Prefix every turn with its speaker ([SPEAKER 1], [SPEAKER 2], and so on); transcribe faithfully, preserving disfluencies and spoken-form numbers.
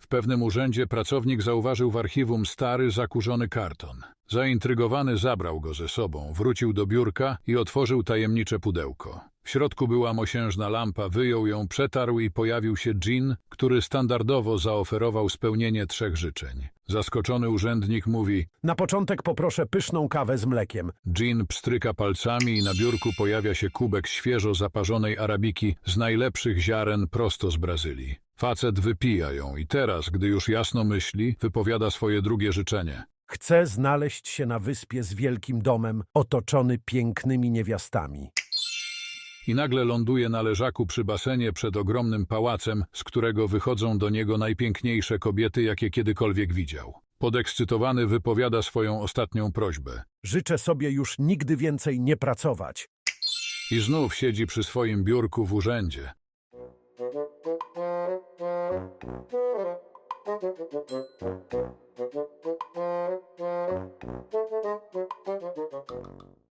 [SPEAKER 1] W pewnym urzędzie pracownik zauważył w archiwum stary, zakurzony karton. Zaintrygowany zabrał go ze sobą, wrócił do biurka i otworzył tajemnicze pudełko. W środku była mosiężna lampa, wyjął ją, przetarł i pojawił się dżin, który standardowo zaoferował spełnienie trzech życzeń. Zaskoczony urzędnik mówi:
[SPEAKER 2] Na początek poproszę pyszną kawę z mlekiem.
[SPEAKER 1] dżin pstryka palcami i na biurku pojawia się kubek świeżo zaparzonej arabiki z najlepszych ziaren prosto z Brazylii. Facet wypija ją i teraz, gdy już jasno myśli, wypowiada swoje drugie życzenie.
[SPEAKER 2] Chcę znaleźć się na wyspie z wielkim domem, otoczony pięknymi niewiastami.
[SPEAKER 1] I nagle ląduje na leżaku przy basenie przed ogromnym pałacem, z którego wychodzą do niego najpiękniejsze kobiety, jakie kiedykolwiek widział. Podekscytowany wypowiada swoją ostatnią prośbę.
[SPEAKER 2] Życzę sobie już nigdy więcej nie pracować.
[SPEAKER 1] I znów siedzi przy swoim biurku w urzędzie.